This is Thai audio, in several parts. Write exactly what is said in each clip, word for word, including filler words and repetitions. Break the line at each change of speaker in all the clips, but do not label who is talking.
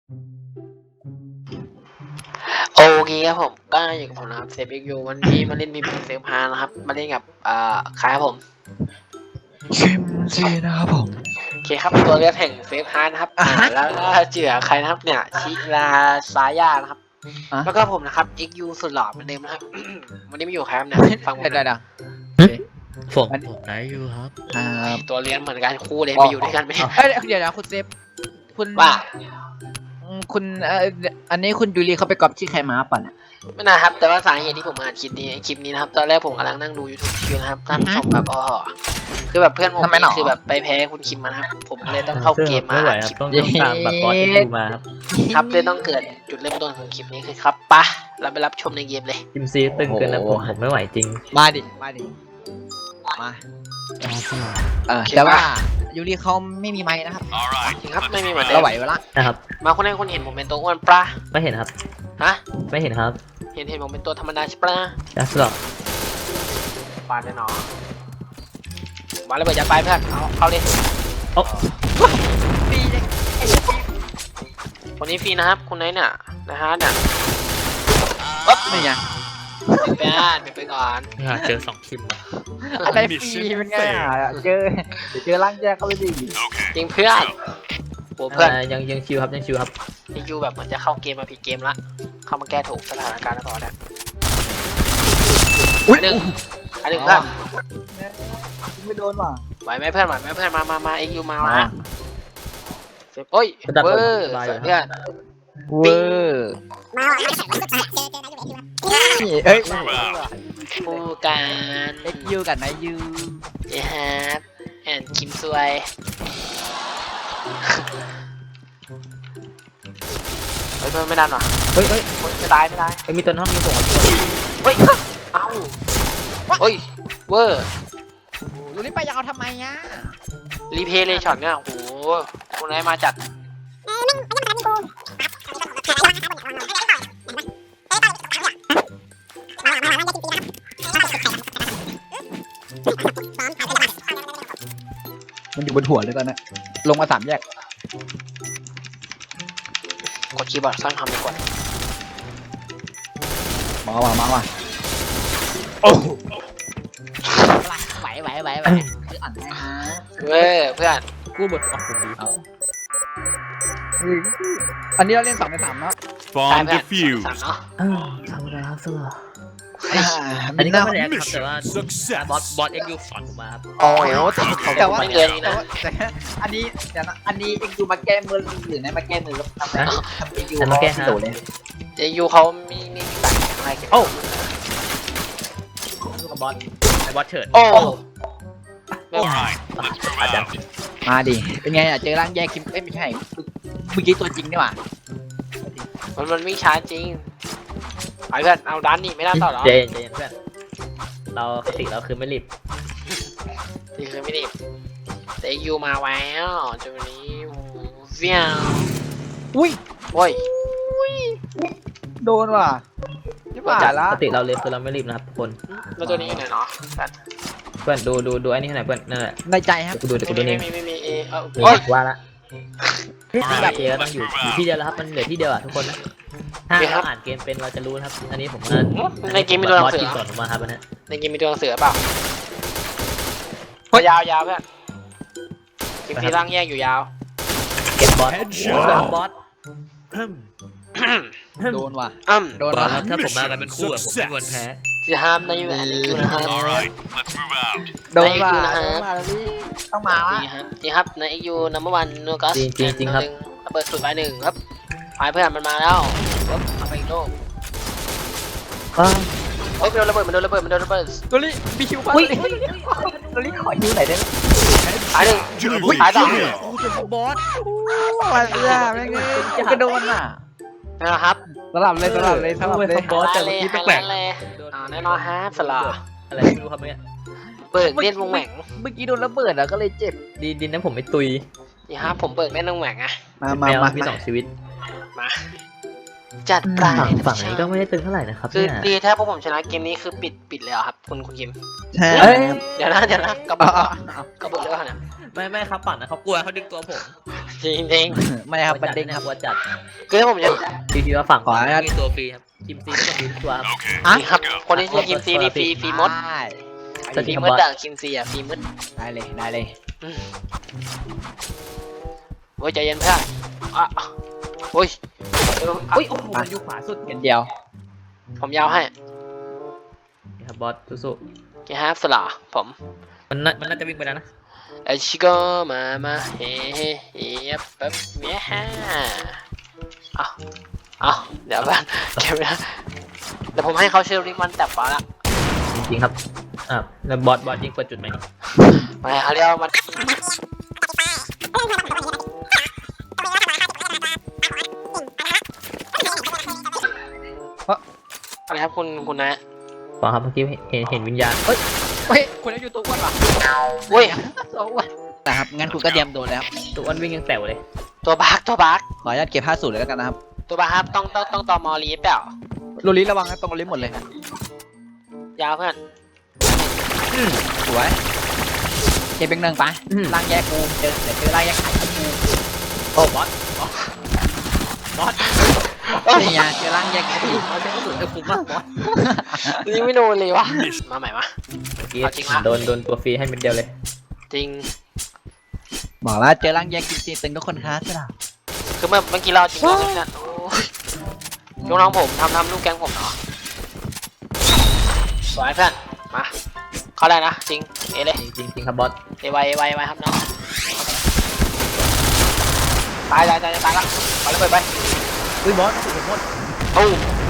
โอเคครับผมก็อยู่กับผมนะครับเซฟเอ็กยูวันนี้มาเล่นมีเพลงเซฟพานะครับมาเล่นกับอ่าใครครับผม
เข็มซีนะครับผม
โอเคครับตัวเลือกแห่งเซฟฮาร์นะครับอ่าแล้วก็เจือใครนะครับเนี่ยชิลาซายานะครับแล้วก็ผมนะครับเอ็กยูสุดหล่อเหมือนเดิมนะครับ วันนี้ไม่อยู่ใครครับเนี่ยฟังผม
ได้
นะ
ได้
ผมผมไหนอยู่ครับ
ครับ
ตัวเรียนเหมือนกันคู่เลยไปอยู่ด้วยกันไหม
เอ้ยเดี๋ยวนะคุณเซฟคุณ
ว่า
คุณเอ่ออันนี้คุณยูรีเขาไปก๊อปที่ใครมาป่ะเนี่ย
ไม่นะครับแต่ว่าสาเหตุที่ผมอ่านคลิปนี้คลิปนี้นะครับตอนแรกผมกำลังนั่งดู ยูทูบ คิวนะครับท่านผู้ชมแบบอ๋อคือแบบเพื่อนผมนี่คือแบบไปแพ้คุณคิมมาครับผมเลยต้องเข้าเกมมา
ไม่ไหว
อ่าน
ค
ค
รั
ลิ
บ
ป
ต้องต้องตามบัตรบอสที่ดูมาครับ
ครับเลยต้องเกิดจุดเริ่มต้นของคลิปนี้คือครับปะเราไปรับชมในเกมเลย
จิมซีตึงเกินนะผมผมไม่ไหวจริง
มาดิมาดิมาเออแต่ว่ายูรีเขาไม่มีไม้นะครับ
จริงครับไม่มีเหมือนเดิ
เรา
ม
ไหวเวละ
นะครับ
มาคนแรกคนเห็นผมเป็นตัวอ้วนปะ
ไม่เห็นครับ
ฮะ
ไม่เห็นครับ
เห็นเห็นผมเป็นตัวธรรมดาใช่ปะ
จัสหรอก
ปาดแน่นอนมาเลยเบิดยัดไปเพื่อนเอาเข้าเลย
โอ้
ฟรีเลย
คนนี้ฟรีนะครับคนไหนเนี่ยนะฮะเนี่ย
ไม่ไง
ไปอ่านไปก่อน
เจอสองคิม
อะไรฟรีเป็นไงอ่ะเจอเดี๋ยวเจอร่างแยกเข้าไปดิ
จริงเพื่อนโหเพื่อน
ยังยังชิวครับยังชิวครับ
พี่ยูแบบเหมือนจะเข้าเกมมาผิดเกมละเข้ามาแก้ถูกสถานการณ์แล้วก่อนเนี่ย
อุ้ย
หนึ่งอันหนึ่งเพื่อน
ไม่โดนว่ะ
ไหวไหมเพื่อนไหวไหมเพื่อนมามามาเอ็กยูมาละเสร็จโอ้ยเวอร์เพื่อน
เวอร์เฮ้ย
คู่กัน
เอ็กยูกับนายยู
เย้ฮะแอนคิมซวย เฮ้ยเพื่อนไม่ดันหรอ
เฮ้ยเฮ้ย
ไม่ตายไม่ตาย
ไอ้มีตัวน้องมีส่งมา
เฮ้ยเอ้าเฮ้ยเวอร์
ยูรีไปยาวทำไมอ่ะ
รีเพย์เลยช็อตเนี่ยโอ้โหคนไหนมาจัด
มันอยู่บนหัวเลยตอนนี้ลงมาสามแยก
กดคีย์บอร์ดสร้างคำดีกว่า
มาว่ะมาว่ะโอ้ไหวไหวไหวไหวคืออ่านได้นะ
เว้ยเพื่อน
กู้บทออกผมดีครับ
อันนี้เราเล่นสองในสามเนาะ
ตาย
Bomb
เพื่อน
defused.
สามเนาะ
ทำอะไรครับสุดหรอ
เฮ้ย
อันนี้ก็ไม่ได้ครับแต่ว่า
Success.
บอสบอสเอ็กยูสอนผมมาครับ
โอ้โหแต่ว่า
ไม่เกินนี้
แต่
นะ
ว่าแต่อันนี้เดี๋ยวนะอันนี้เอ็กยูมาแก้มือหรือไงมาแก้มือแล้วทำไมทำเอ็กยูโดดเลย
เจยูเขามีมีมีตัดอะไรกัน
โอ้ลูกกับบอสไอ้บอสเฉิด
โอ้
Alright,
อาจจะ
มาดิเป็นไงอ่ะเจอร่างแยกคิมเอ้ยไม่ใช่เมื่อกี้ตัวจริงนี่หว่า
มันมันวิ่งช้าจริงไอ้เพื่อนเอาดันนี่ไม่ได้ต่อหรอ
เจนเจนเพื่อนเราคติเราคือไม่รีบ
นี่คือไม่ดีเจยูมาแล้วจุดนี้เวียง
อุ้ย
โอ้ย
โดนว่ะนี่ป่าละ
ปกติเราเลยคือเราไม่รีบนะครับทุกคน
แล้วตัวนี้อยู่ไหนเนาะ
เพื่อนดูดูดูไอ้นี่ให้หน่อยเพื่อนนั่นแหละ
ในใจครับ
เดี๋ยวกูดูเดี๋ยวกูดู
ไม่
นี่
มีไม่มีเออ
นี่
โอ้ย
ว่าละ
Alright,
แบบเอก็ต้อง
let's
อยู่
move
อยู่
out.
ที่เดียวแล้วครับมันเหลือที่เดียวอ่ะทุกคนนะถ้าเราอ่านเกมเป็นเราจะรู้นะครับอันนี้ผมว่า
ในเกมมีตัวหนั
บอง ส
สือ
กินสอนผมมาครับอันนี้
ในเกมมีตัวหนังสือเปล่ายาวยาวเพื่อนกิมฟีร่างแยกอยู่ยาว
เก็บบอส
Headshot
บอส
โดนว่ะ
อ้ำ
โดน
บอ
ว่ะ
สถ้าผมมากันเป็นคู่อะผมไม่ควรแพ้
จะห้ามในยูแอนยูนะครับ
Alright, let's move out.
โดนว่ะ
นะฮะ
ต้องมาละ
นี่ครับนี่ครับในยูนัมเบอร์วันนูกัส
จริงจริงจริงครับ
ระเบิดสุดไปหนึ่งครับไปเพื่อนมันมาแล้วปุ๊บเอาไปอีกโลกเฮ้ยมันโดนระเบิดมันโดนระเบิดมันโดนระเบิด
โดนลิมีคิวป่ะโดนลิขอคิวไหนอยได้ไหม
ตายหนึ่ง
Double
ตายต่อ
kill.
กูจะบอสมาเรื่อยแม่งจะกระโดนอ่ะ
นะครับ
สลับเลยสลับเลยสลับเลย
บอสแต่
เล
เมื่อย กี้
ไฮ
แป
ไล
ลก
ท์เลยอ่าแน่นอนฮะสลา
ๆอะไรไม่รู้ครับเนี่ย
เบิกเล่นวงแหว่ง
เมื่อกี้โดนระเบิดอ่ะก็เลยเจ็บ
ดีดินนั้นผมไม่ตุย
นี่ครับผมเบิกเล่นวงแหว่งอะ
มา
แม
มาว มา
มีสองชีวิต
มาจัดไป
ฝั่งฝั่งนี้ก็ไม่ได้ตึงเท่าไหร่นะครับ
คือ
เนี่ย
ดีถ้าพวกผมชนะเกมนี้คือปิดปิดเลยเหรอครับคุณคุณคิม
ใช่
เอ้ย
เดี๋ยวนะเดี๋ยวนะกระบอกกระบอกเลยเนี่ย
ไม่ไม่ครับฝั่งนะเขากลัวเขาดึงตัวผม
จริงจริง
ไม่ครับประเด็นครับ
กลัวจัด
ๆคือถ้าผมจะ
พี่คิดว่าฝั่ง
ขออนุญาต
มีตัวฟรีครับคิมซีก็ฟรีทุกตัวครับ
Okay,
นี่ครับคนที่ชื่อคิมซีนี่ฟรีฟรีมด
ได้
สวัส
ฟ
ดี
รี
ครับ
มด
บอส
ด่างคิมซีอ่ะฟรีมด
ได้เลยได้เลย
อืมโอ้ยใจเย็นเพื่อนอ่ะโอ้ยเอออ่ะ
อุ้ยโอ้โหมันอยู่ขวาสุด
เห็นเดียว
ผมยาวให้
นี่ครับบอสสู้
แกฮาฟสลาผม
ๆมันน่ามันน่าจะวิ่งไปแล้วนะ
ไอชิโกมามาเฮ้เฮ้เฮ้ปั๊บเมียฮ่าเอาเอาเดี๋ยวบ้านเก็บไว้นะเดี๋ยวผมให้เขาเชลลิมันแต่ฟ้าละ
จริงๆครับอ่าแล้วบอสบอสยิงเปิดจุดไหมนี่
ไปเขาเรียกว่ามันอะไรครับคุณคุณนะ
บอสครับเมื่อกี้เห็นเห็นวิญญาณเฮ้ย
เฮ้ยคุณได้อยู่ตัวอ้วนป่ะ
เว้ย
ตัวอ้วนนะครับงั้นคุณก็เตรียมโดนแล้ว
ตัวอ้วนวิ่งยังแต๋วเลย
ตัวบักตัวบัก
ขออนุญาตเก็บห้าสูตรเลยแล้วกันนะครับ
ตัวบักครับต้องต้องต้องต่อมอลีเปล่า
โรลิระวังนะตรงโรลิหมดเลย
ยาวเพื่อน
สวยเก็บเป็นหนึ่งไป
อืม
ล่างแยกกูเจอเดี๋ยวเจอล่างแยกไข่กู
โอ้บอสบอสบอส
นี่ไงเจอล่างแยกกู
บอสใช้กระสุนเอฟคุ้มมากบอส
นี่ไม่โดนเลยวะมาใหม่มา
เมื่อกี้
เอาจริงปะ
โดนโดนตัวฟรีให้เม็ดเดียวเลย
จริง
บอกแล้วเจอล่างแยกจริงๆตึงทุกคนครับใช่ไหม
คือเมื่อเมื่อกี้เราจริงๆเนี่ยโอ้ยลูกน้องผมทำทำลูกแกงผมเนาะสวยเพื่อนมาเข้าได้นะจริงเอเลย
จริงๆจริงครับบอส
เอไวเอไวไวครับน้องตายตายตายตายละไปเลยไปไป
อุ้ยบอสถูกหมด
ตู้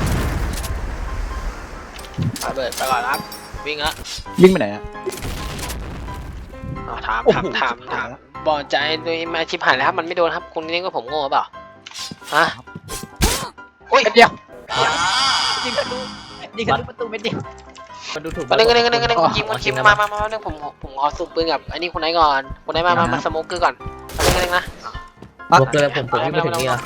ไปเบิดไปก่อนครับวิ่งละ
วิ่งไปไหนอะ
อ๋อถาม
โอ้
ถาม
โห
ถามถามบอดใจโดยมาชิบหายแล้วครับมันไม่โดนครับคุณนี่ก็ผมโง่เปล่าฮะอุ้ย
เดียวยิงทะลุยิงทะลุประตูเม็ดเดียว
มันดูถูก
ก็นึงก็นึงก็นึงก็นึง
อ๋อ
คุณคิมคุณคิมมามามามาเรื่องผมผมขอสูบปืนกับไอ้นี่คุณไหนก่อนคุณไหนมามามาสโมกเกอร์ก่อนก็นึงก็นึงนะ
บวกเกินผมผมวิ่งไปถึงนี่แล้ว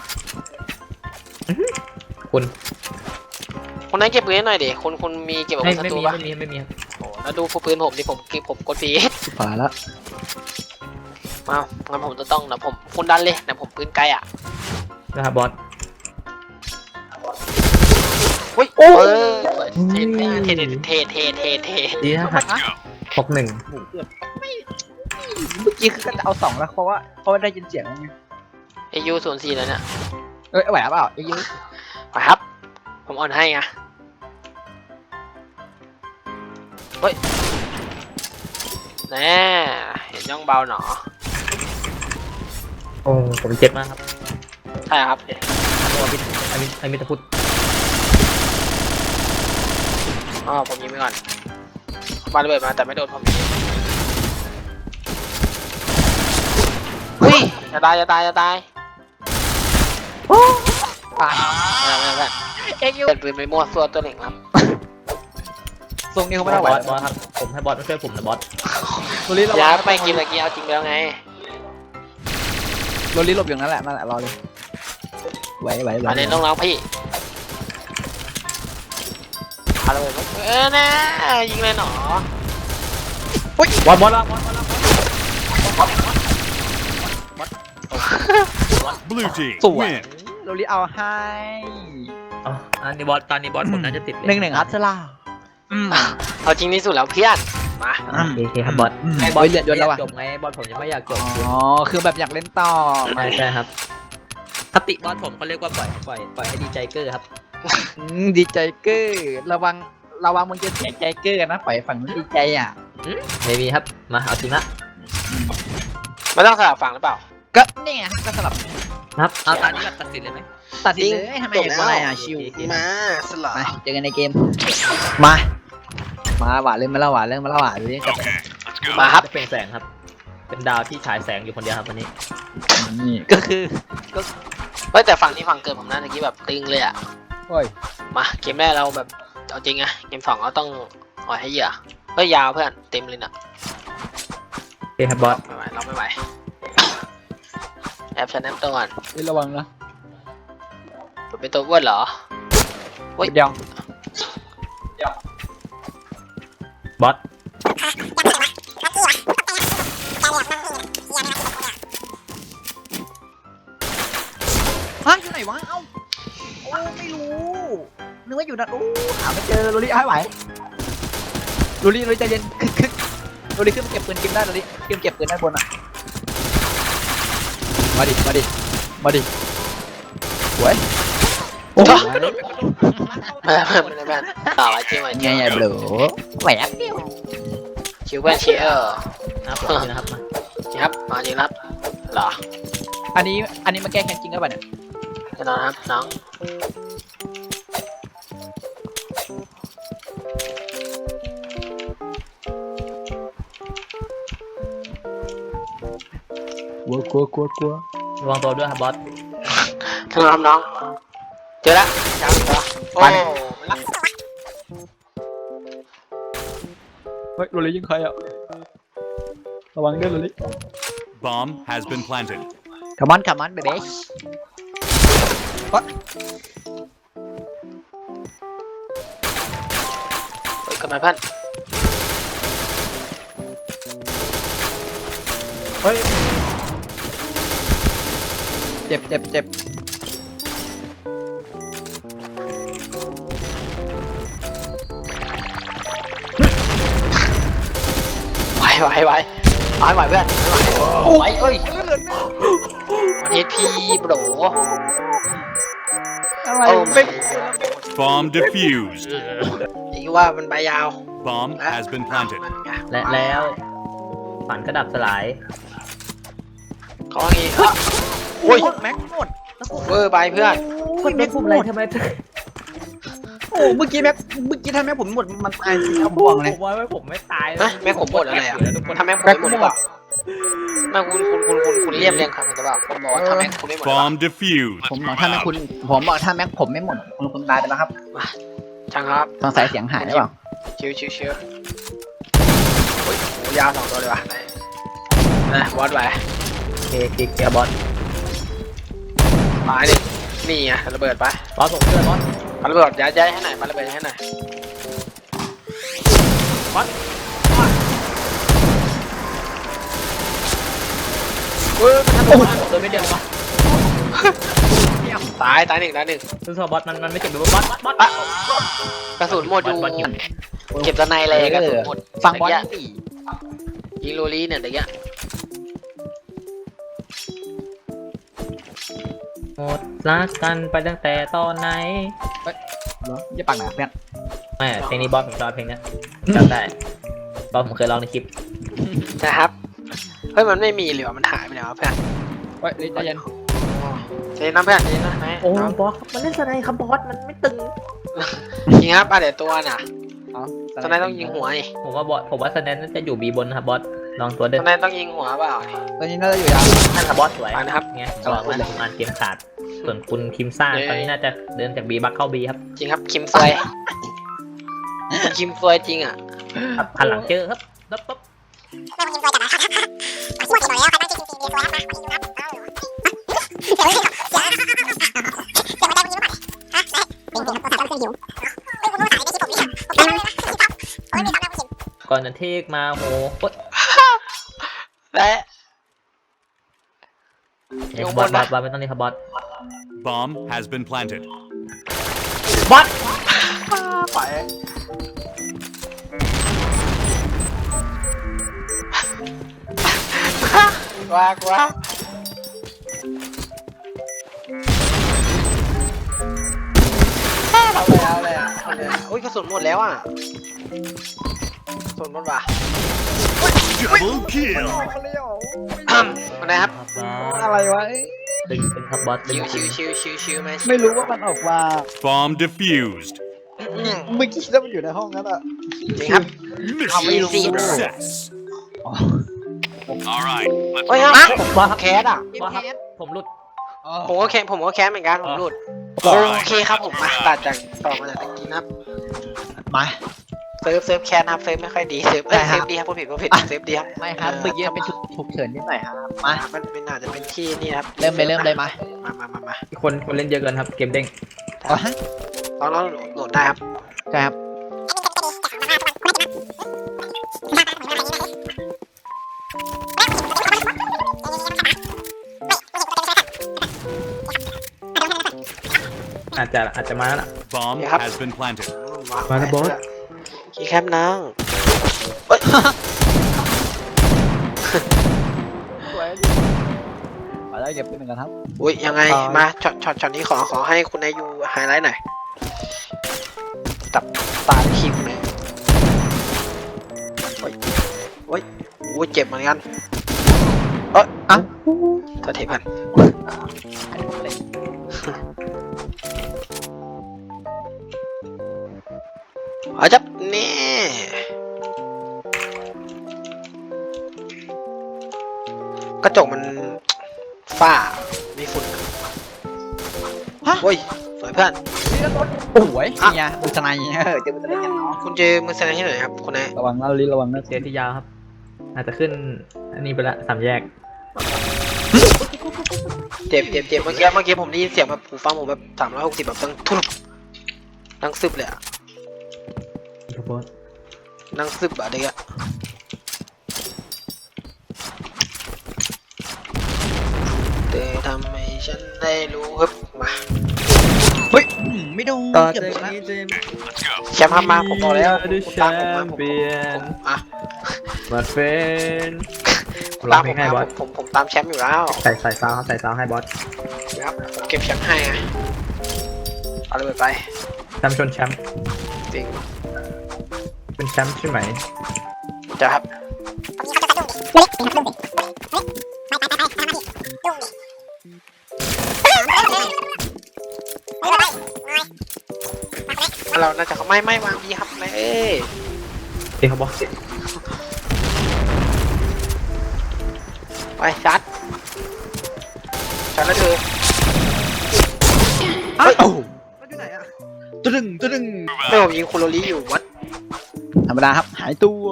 คุณ
คุณไหนเก็บปืนให้หน่อยดิคุณคุณมีเก็บอาวุ
ไม่
ธศั
ไม่
ตรู
มี
ปะ
ไม่มีไม่มีครับ
โอ้แล้วดูปืนผมดิผมผมกดปี
ผ่านแล้ว
มางั้นผมจะต้องนะผมคุณดันเลยนะผมปืนไกลอ่ะ
นะครับบอส
อุ้ยเออเท่เท่เท่เท่เท่เท่
ดีนะครับหกหนึ่ง
เมื่อกี้คือก็จะเอาสองแล้วเพราะว่าเพราะว่าได้ยินเสียงไง
เอยูศูนย์สี่แล้วเนี่ย
เอ้ยไหวเปล่าเอ้ย
ไปครับ ผมอ่อนให้ไงเฮ้ยแน่เห็นย่องเบาหนอ
โอ้ผมเจ็บมากครับ
ใช่ครับ
โอ้พิษไอ้มิไอ้มิตรพุทธ
อ๋อผมยิงไปก่อนมาระเบิดมาแต่ไม่โดนผมยิงเฮ้ยจะตายจะตายจะตาย
ตาย
ไม่ไม่ไม่
เอ้ย
เปิดปืนไปมั่วซั่วตัวหนึ่งครับ
ทรงนี้เขา
บ
ไม่ได้ไหว
อสบอสครับผมให้บอสมาช่วยผมนะบอส
โรลิระ
อ
วั
ย่าง ไปกินตะกี้เอาจริงแล้วไง
โรลิหลบอย่างนั้นแหละนั่นแหละรอเลยไหวไหวไหว
มาเล่นน้องๆพี่พาระเบิดมาเออนะยิงเลยหนอบ
อสบอสบอสบอสบอส
Blue team
สวย
win.
โรลิเอาให้
อ๋ออันนี้บอสตอนนี้บอสผมน่าจะติดเลย
หนึ่งหนึ่งครับเซล่าอืม
เอาจริงที่สุดแล้วเพื่อนมา
โอเคครับบอส
บอยเลือดยนแล้ว
อ
อ่ะ
ยากจบไงบอสผมยังไม่อยากจบ
อ๋อคือแบบอยากเล่นต่อ
ใช่ใช่ครับคติบอสผมเขาเรียกว่าปล่อยปล่อยปล่อยให้ดีใจเกอร์ครับ
อืมดีใจเกอร์ระวังระวังมึงจะเสียใจเกอร์นะปล่อยฝั่งนู้นดีใจอ่ะ
ไม่มีครับมาเอาจริงละ
ไม่ต้องสลับฝั่งหรือเปล่า
ก็นี่ไงก็สลับ
ครับเอาตอนนี้แบบตัดสินเลยไหม
ตัดสินเลยทำไมอย่างนั้นอ่ะชิว
มาสลับ
มาเจอกันในเกมมามาหวานเล่นมาละหวานเล่นมาละหวานดูดิกับ
Okay, let's go.
มาครับ
จะเป็นแสงครับ เป็นดาวที่ฉายแสงอยู่คนเดียวครับวันนี้
นี่ก็คือ
เฮ้ยแต่ฝั่งที่ฝั่งเกิดผมนะเมื่อกี้แบบตึงเลยอ่ะ
โอ้ย
มาเกมแรกเราแบบเอาจริงอะเกมสองเราต้องอ่อยให้เหยื่อเฮ้ยยาวเพื่อนเต็มเลยนะ
โอเคครับบอส
ไม่ไหวเราไม่ไหวแอบชนะตัวก่อน
เอ้ยระวังนะ
ผมเป็นตัวอ้วนเหรอ
เดียว
บอส
ฮะอยู่ไหนวะเอ้าโอ้ไม่รู้นึกว่าอยู่นั่นโอ้หาไม่เจอโรลี่ให้ไหวโรลี่โรลี่ใจเย็นคึกคึกโรลี่ขึ้นมาเก็บปืนกิมได้โรลี่กิมเก็บปืนด้านบนอ่ะมาดิมาดิมาดิสวยโอ้ย
ไม่ไม่ไม่ไม่ต่อไว้จริงไว้จริ
ไง
ง
ไงเบลอแหวกเดียว
ชิวเพื่อนเชียร์
นะครับผมนะครับมา
จริงครับมาจริงครับเหรอ
อันนี้อันนี้มาแก้แค้นจริงหรือเปล่าเนี่ย
แน่นอนครับน้อง
กลัวกลัวกลัวกลัว
ระวังตัวด้วยครับบอส
แน่นอนครับน้องเจอแล้วจังเหรอโอ้ไม่รัก
เฮ้ยโรลี่ยิงใครอ่ะระวังด้วยโรลี่
Bomb has been planted.
come on come on baby
เฮ้ยกลับมาเพื่อน
เฮ้ยเจ็บเจ็บเจ็บ
ไหวไหวไหวเอาให้ไหวเพื่อนไหวเอ้ยวันนี้พี่โบร
อะไร
โอ้
ไม่
Bomb defused.
อีว่ามันใบยาว
Bomb has been planted.
และแล้วฝันกระดับสลาย
เขาว่างี้โอ้ย
แม็กหมด
เวอร์ไปเพื่อน
กดแม็กปุ่มอะไรทำไม
โอ้เมื่อกี้แม็กเมื่อกี้ถ้าแม็กผมหมดมันตายสิเอาบ่วงเลย
ผมว่าไม่ผมไม่ตาย
ฮะแม่ผมหมดอะไรอ่ะทำแม่ผมไม่หมดหรือเปล่าแม่คุณคุณคุณคุณคุณเรียบเรียงครับหรือเปล่าผมบอกว่าทำแม่คุณไม่หมดหรือเปล่า
Bomb defused.
ผมบอกถ้าแม็กคุณผมบอกถ้าแม็กผมไม่หมดคุณคุณตายไปแล้วครับ
ช่างครับ
สงสัยเสียงหายหรือเปล่า
ชิวชิวชิวโอ้ยโหยาวสองตัวเลยว่ะนะวอดไว้
โอเคคลิกเกียร์บอส
ตายดินี่ไงระเบิดไป
บอสผมเชื่อบอส
ปาระเบิดย้ายย้ายให้หน่อยปาระเบิดให้หน่อยเฮ้ย
โอ้โหโดนไม่เดียววะ
ตายตายหนึ่งตายหนึ่ง
ซึ่งบอสมันมันไม่เจ็บแบบบอสบอสบอส
อ่ะกระสุนหมดอยู่
บอสยิง
เก็บตะในเลยกระสุนหมด
ฟังบอล
เมื่อ
สี่
กี้ยิงโรลี่เนี่ยเด็กเนี้ย
หมดรักกันไปตั้งแต่ตอนไหน
เหรออย่าปักหนาเพื่อน
ไม่เพลงนี้บอสผมชอบเพลงเนี้ยจำได้บอสผมเคยร้องในคลิป
นะครับเฮ้ยมันไม่มีหรือว่ามันหายไปแล้วเพื่อน
เฮ้ยใจเย็น
เจ๊นะเพื่อนเจ๊นะไหม
โอ้บอสมันเล่นสไนครับบอสมันไม่ตึง
ยิงครับอ่ะเดี๋ยวตัวน่ะ
อ๋อ
ตอนนั้นต้องยิงหัวไอ้
ผมว่าบอสผมว่าสแนนน่าจะอยู่บีบนนะครับบอสลองตัวเดิ
ตอนนั้นต้องยิงหัวเปล่า
ตอนนี้น่าจะอยู่ยาว
นั่นครับบอสสวย
ไปนะครับ
ไงบอกว่าผมอ่านเกมขาด ส่วนคุณคิมซ่าตอนนี้น่าจะเดินจากบีบักเข้าบีครับ
จริงครับคิมซวยคิมซวยจริงอ่ะ
หันหลังเจอครับปั๊บปั๊บ ก่อนจะเทกมาโหโอ๊ย
และ
เดี๋ยวบอสบอสบอสไม่ต้องนี่ครับบอส
Bomb has been planted.
บอส
ไปว้ากว้าเอาเลยเอาเลยเอาเลยอุ้ยกระสุนหมดแล้วอ่ะกระสุนหมดว่ะ
Double kill.
มาไหนครับ
อะไรวะ
ตึงตึงครับบอสตึ
ชิ
ง
วชิวชิวชิวชิวไหม
ไม่รู้ว่ามันออกมา
Bomb defused.
เมื่อกี้ถ้ามันอยู่ในห้องนั้นอะ
จริงครับ
Mission
Easy, bro.
success. All right.
เฮ้ยครับ
บอสครับ
แคสอ่ะ
บอสครับผมหลุด
ผมก็แคสผมก็แคสเหมือนกันผมหลุด
All
โอ
right.
เคครับผมมาตัดจากต่อมาจากตะกี้นะครับ
มา
เซิร์ฟเซิร์ฟแคนครับเซิร์ฟไม่ค่อยดีเซิร์ฟเอ้ย
ใช่ครับ
เซิร์ฟดีครับผู้ผิดผู้ผิดเซิร์ฟดีครับ
ไม่ครับเมื่อกี้เป็นฉุกเฉินนิดหน่อยครับมา
มันเป็นอาจจะเป็นที่นี่ครับ
เริ่มเลยเริ่มเลยมา
มมามามามา
คนคนเล่นเยอะเกินครับเกมเด้ง
อ๋อฮะ
ลองลองโหลดได้ครับ
ใช่ครับ
อาจจะอาจจะมาแล้วล่ะ
Bomb
Yep.
has been planted.
มาแล้วบอส
คีย์แคปนั่งเอ้ย
สวยมาได้เก็บปืนหนึ่งกันครับ
อุ้ยยังไง
อ่าม
มาช็อตช็อตช็อตนี้ขอขอให้คุณนายยูไฮไลท์หน่อยจับตาทีมเลยโอ้ยโอ้ยโอ้ยเจ็บเหมือนกันเอ้ย
อ่ะ
โทษทีพันเอาจับนี่กระจกมันฝ้ามีฝุ่น
ฮะ
โอ้ยสวยเพื่อน
โอ้ยเนี่ยมือสไนเออเจอมือสไนกันเนาะ
คุณเจอมือแสดงที่ไหนครับคุณนาย
ระวังนะลิ้นระวังนะ
เสียที่ยาวครับ อาจจะขึ้นอันนี้ไปละสามแยก
เจ็บเจ็บเจ็บเมื่อกี้เมื่อกี้ผมได้ยินเสียงแบบหูฟังผมแบบสามร้อยหกสิบแบบดังทุบดังซึบเลยอะ
ครับบอส
ดังซึบอะเด็กอะเธอทำให้ฉันได้รู้ครับมา
เฮ้ยอืมไม่โดน
ต่อ
เกือบ
จาก
โดนแล้ว
นี้จะ
แชมป์ครับมาผมบอกแล้ว
ดู
คุณ
แช
ตามผมมาม ผม
เปี้ยน
ผมอ่ะ
มาเฟน
คุณ
ร้อ
ตาง ม
เพ
ผ
ล
ม
งให้
มา
บอส
ผมผมผมตามแชมป์อยู่แล้ว
ใส่ใส่ซาวด์ใส่ซาวด์ให้บอส
ครับผมเก็บแชมป์ให้ไงเอาเลยไป
แชมป์ชนแชมป์
จริง
เป็นแชมป์ใช่ไหม
จะครับเราน่าจะเขาไม่ไม่วางดีครับไม่เอ้ย
เอ้ครับบอส
ไปชัดชัดแล้วเธอ
อ้าวอยู่ไหนอะตะดึงตะดึง
ไม่ผมยิงคุณโรลี่อยู่วัด
ธรรมดาครับหายตัว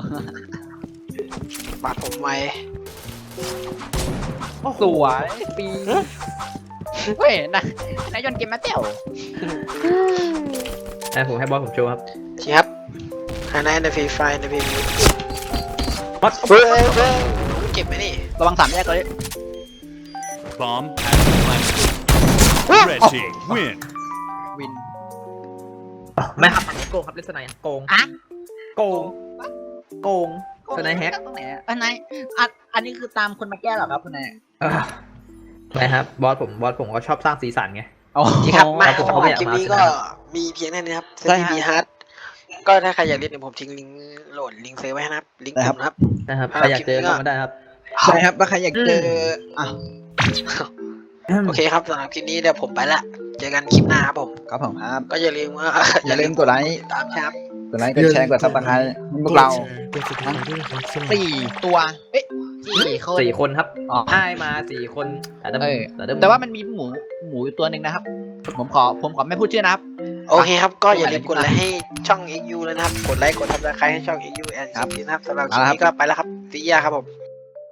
บาดผมไว้
สวยปีเฮ้ยนะนายยนเกมมาเต้ว
อ่ะผมให้บอสผมโชว์ครับ
ทีครับไฮไลท์ในฟรีไฟในพีพี
บอส
เฮ้ยเฮ้ยเก็บไหมนี่
ระวังสามแยกเลย
Bomb has been planted. Red team win.
วิน
ไม่ครับอันนี้โกงครับเล่นสไนด์โกง
อะ
โกงโกงสไนด์แฮก
ตรงไหนอะอันไหนอันอันนี้คือตามคนมาแก้เหรอครับคุณนาย
ไม่ครับบอสผมบอสผมก็ชอบสร้างสีสันไง
อ๋อ
ทีครับมา
ผม
สำห
ก็
รับ
ไม่อยาก
คลิป
มา
นี้
ช
ก็
นะ
มีเพียงแค่นี้ครับเซ
ได้
ตี
ฮะ
บีฮาร์ดก็ถ้าใครอยากเล่นเดี๋ยวผมทิ้งลิงก์โหลดลิงก์เซฟไว้ให้นะครับลิงก์กลุ่มนะครับ
นะครับ
ครับ
ใครอยากเจอเข้ามาได้ครับ
ใช่ครับว่าใครอยากเจออ่ะ
โอเคครับสำหรับคลิปนี้เดี๋ยวผมไปละเจอกันคลิปหน้าครับผม
ครับผมครับ
ก็อย่าลืมว่า
อย่าลืมกดไลค์
ตามครับ
กดไลค์กดแชร์กดซับสไครต์พวกเราสี่ตัวเอ๊ะสี่คน
สี่คนครับ
อ๋อ
ให้มาสี่คนแต่เดิม
เออ
แต่เดิม
แต่ว่ามันมีหมูหมูอยู่ตัวหนึ่งนะครับ ผมขอผมขอไม่พูดชื่อนะครับ
โอเคครับก็อย่าลืมกดไลค์ให้ช่อง เอ็กซ์ ยู เลยนะครับกดไลค์กดซับสไครต์ให้ช่อง เอ็กซ์ ยู แอนด์
ครับ
นะครับสำหรับคลิปนี้ก็ไปแล้วครับซียาครับผม